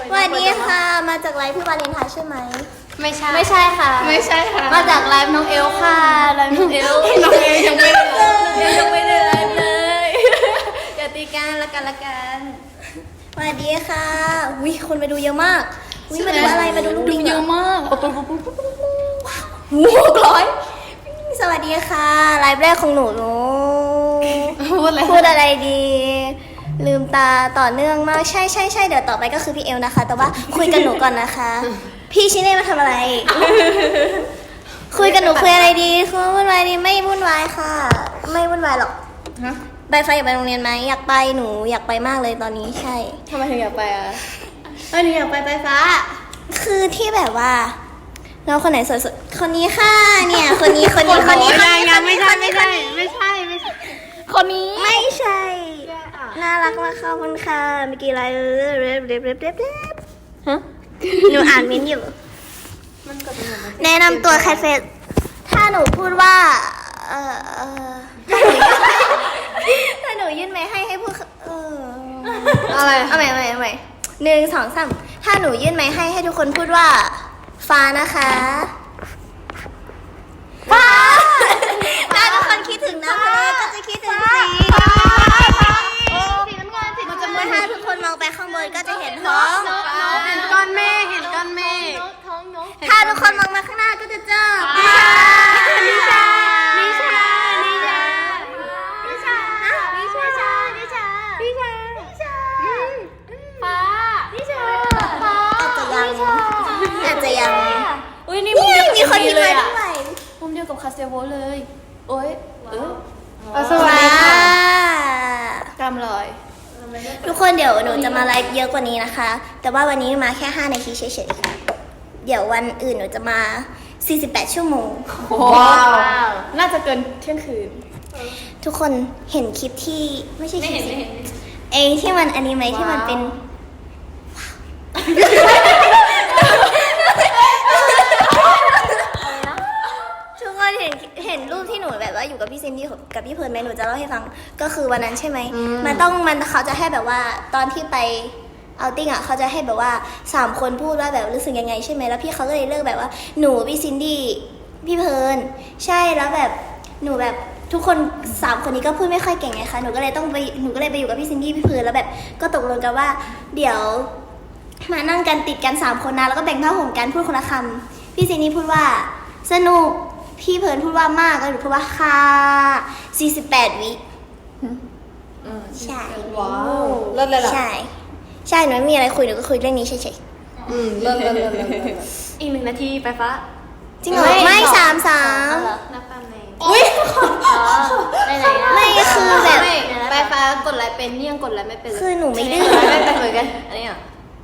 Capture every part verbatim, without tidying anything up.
วันนี้ค่ะมาจากไลฟ์พี่วาเลนไทน์ใช่ไหมไม่ใช่ไม่ใช่ค่ะไม่ใช่ค่ะมาจากไลฟ์น้องเอลค่ะไลฟ์น้องเอลน้องเอลยังไม่ได้ไลฟ์ยังไม่ได้ไลฟ์เลยอย่าตีกันละกันละกันสวัสดีค่ะวิคนมาดูเยอะมากวิมาดูอะไรมาดูลูกลิงเยอะมากหกร้อยสวัสดีค่ะไลฟ์แรกของหนูหนูพูดอะไรพูดอะไรดีลืมตาต่อเนื่องมากใช่ใช่ใช่เดี๋ยวต่อไปก็คือพี่เอลนะคะแต่ว่าคุยกับหนูก่อนนะคะพี่ชิเน่มาทำอะไรคุยกับหนูคุยอะไรดีคุยวุ่นวายดีไม่วุ่นวายค่ะไม่วุ่นวายหรอกใบไฟอยากไปโรงเรียนไหมอยากไปหนูอยากไปมากเลยตอนนี้ใช่ทำไมถึงอยากไปอ่ะเออหนูอยากไปไฟฟ้าคือที่แบบว่าเราคนไหนสวยสุดคนนี้ค่ะเนี่ยคนนี้คนนี้คนนี้คนนี้ไม่ใช่ไม่ใช่ไม่ใช่ไม่ใช่คนนี้ไม่ใช่น่ารักมากขอบคุณค่ะเมื่อกี้อะไรเออเร็บเร็บเร็บเร็บเร็บฮะหนูอ่านมิ้นอยู่แนะนำตัวแคทเฟสถ้าหนูพูดว่าเออเออถ้าหนูยื่นไม้ให้ให้พูดเอออะไรเอาใหม่เอาใหม่เอาใหม่หนึ่งสองสามถ้าหนูยื่นไม้ให้ให้ทุกคนพูดว่าฟ้านะคะฟ้าถ้าทุกคนคิดถึงน้ำทะเลก็จะคิดถึงสีสีน้ำเงินสีน้ำเงินถ้าทุกคนมองไปข้างบนก็จะเห็นท้องเห็นก้อนเมฆเห็นก้อนเมฆถ้าทุกคนมองมาข้างหน้าก็จะเจอนิชานิชานิชานิชานิชานิชานิชานิชานิชาฟ้านิชาฟ้าอาจจะยังอาจจะยังอุ้ยนี่มีคนที่มาด้วยมุมเดียวกับคาเซโวเลยโอ้ยเออสวัสดีค่ะกำลอยทุกคนเดี๋ยวหนูจะมาไลฟ์เยอะกว่านี้นะคะแต่ว่าวันนี้มาแค่ห้านาทีเฉยๆค่ะเดี๋ยววันอื่นหนูจะมาสี่สิบแปดชั่วโมงว้าวน่าจะเกินเที่ยงคืนทุกคนเห็นคลิปที่ไม่ใช่คลิปเอที่มันอันนี้ไหมที่มันเป็นทุกคนเห็นเห็นรูปที่หนูแบบว่าอยู่กับพี่ซินดี้กับพี่เพิร์นไหมหนูจะเล่าให้ฟังก็คือวันนั้นใช่ไหมมันต้องมันเขาจะให้แบบว่าตอนที่ไปเอาติ้งอ่ะเขาจะให้แบบว่าสามคนพูดว่าแบบรู้สึกยังไงใช่ไหมแล้วพี่เขาก็เลยเลือกแบบว่าหนูพี่ซินดี้พี่เพิร์นใช่แล้วแบบหนูแบบทุกคนสามคนนี้ก็พูดไม่ค่อยเก่งไงคะหนูก็เลยต้องไปหนูก็เลยไปอยู่กับพี่ซินดี้พี่เพิร์นแล้วแบบก็ตกลงกันว่าเดี๋ยวมานั่งกันติดกันสามคนนะแล้วก็แบ่งผ้าห่มกันพูดคนละคำพี่ซินดี้พูดว่าสนุกพี่เพิร์นพูดว่ามากแล้วหนูพูดว่าค่ะสี่สิบแปดวิใช่ว้าวเลิศเลยล่ะใช่ใช่หนูไม่มีอะไรคุยหนูก็คุยเรื่องนี้เฉยๆอืมเลิศเลิศเลิศอีกหนึ่งนาทีไปฟ้าจริงเหรอไม่สามสามนับตามไหนอุ้ยไม่คือแบบไปฟ้ากดไลค์เป็นเนี่ยงกดไลค์ไม่เป็นคือหนูไม่ดื้อไม่เป็นเหมือนกันอันนี้อ่ะ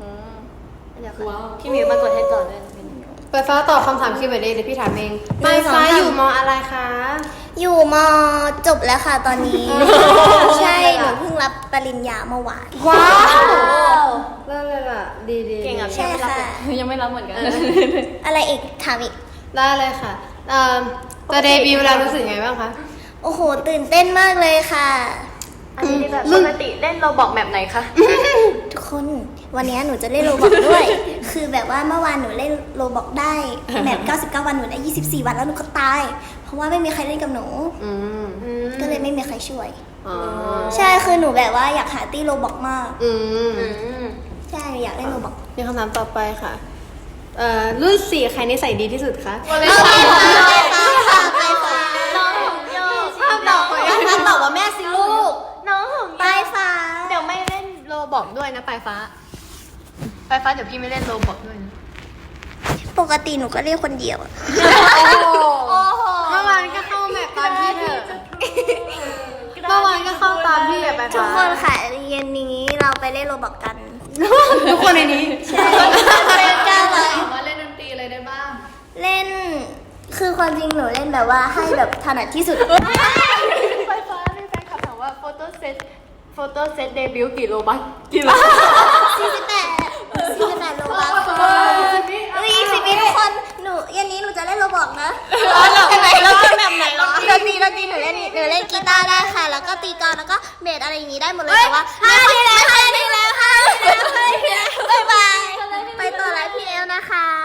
พี่มิวมากดให้ต่อด้วยไปฟ้าตอบคำถามคิวเดี๋ยวพี่ถามเองไปฟ้าอยู่มออะไรคะอยู่มอจบแล้วค่ะตอนนี้ใช่หนูเพิ่งรับปริญญาเมื่อวานว้าวเลิศเลยล่ะดีดีเก่งอ่ะใช่ค่ะยังไม่รับเหมือนกันอะไรอีกถามอีกได้เลยค่ะจะเดบิวต์แล้วรู้สึกไงบ้างคะโอ้โหตื่นเต้นมากเลยค่ะอันนี้แบบปกติเล่นโรบอกแบบไหนคะทุกคนวันนี้หนูจะเล่นโรบอกด้วยคือแบบว่าเมื่อวานหนูเล่นโรบอกได้แบบเก้าสิบเก้าวันหนูได้ยี่สิบสี่วันแล้วหนูก็ตายเพราะว่าไม่มีใครเล่นกับหนูก็เลยไม่มีใครช่วยใช่คือหนูแบบว่าอยากหาตีโรบอกมากใช่อยากเล่นโรบอกมีคำถามต่อไปค่ะรุ่นสี่ใครนิสัยดีที่สุดคะไปฟ้าไปฟ้าไปฟ้าน้องของโยห้ามตอบไปห้ามตอบว่าแม่สิลูกน้องของไปฟ้าเดี๋ยวไม่เล่นโรบอกด้วยนะไปฟ้าไปฟ้าเดี๋ยวพี่ไม่เล่นโรบอกด้วยนะปกติหนูก็เล่นคนเดียวโอ้โหเมื่อวานก็เข้าแมปตอนพี่เถอะเมื่อวานก็เข้าตามพี่อะไปฟ้าทุกคนค่ะเย็นนี้เราไปเล่นโรบอกกันทุกคนในนี้ใช่เล่นกันเลยมาเล่นดนตรีอะไรได้บ้างเล่นคือความจริงหนูเล่นแบบว่าให้แบบถนัดที่สุดไฟฟ้ามีแฟนคลับถามว่าโฟโต้เซตโฟโต้เซตเดบิวต์กี่โลบัคกี่โลสี่สิบแปดสี่สิบแปดโลบัคอุ้ยสิบวิทุกคนหนูเย็นนี้หนูจะเล่นโรบอกนะแล้วไหนแล้วเล่นแบบไหนล่ะดนตรีดนตรีหนูเล่นหนูเล่นกีตาร์ได้ค่ะแล้วก็ตีกลองแล้วก็เบสอะไรอย่างนี้ได้หมดเลยแต่ว่าห้าทีแล้วห้าทีแล้วห้าทีแล้วบ๊ายบายนะคะ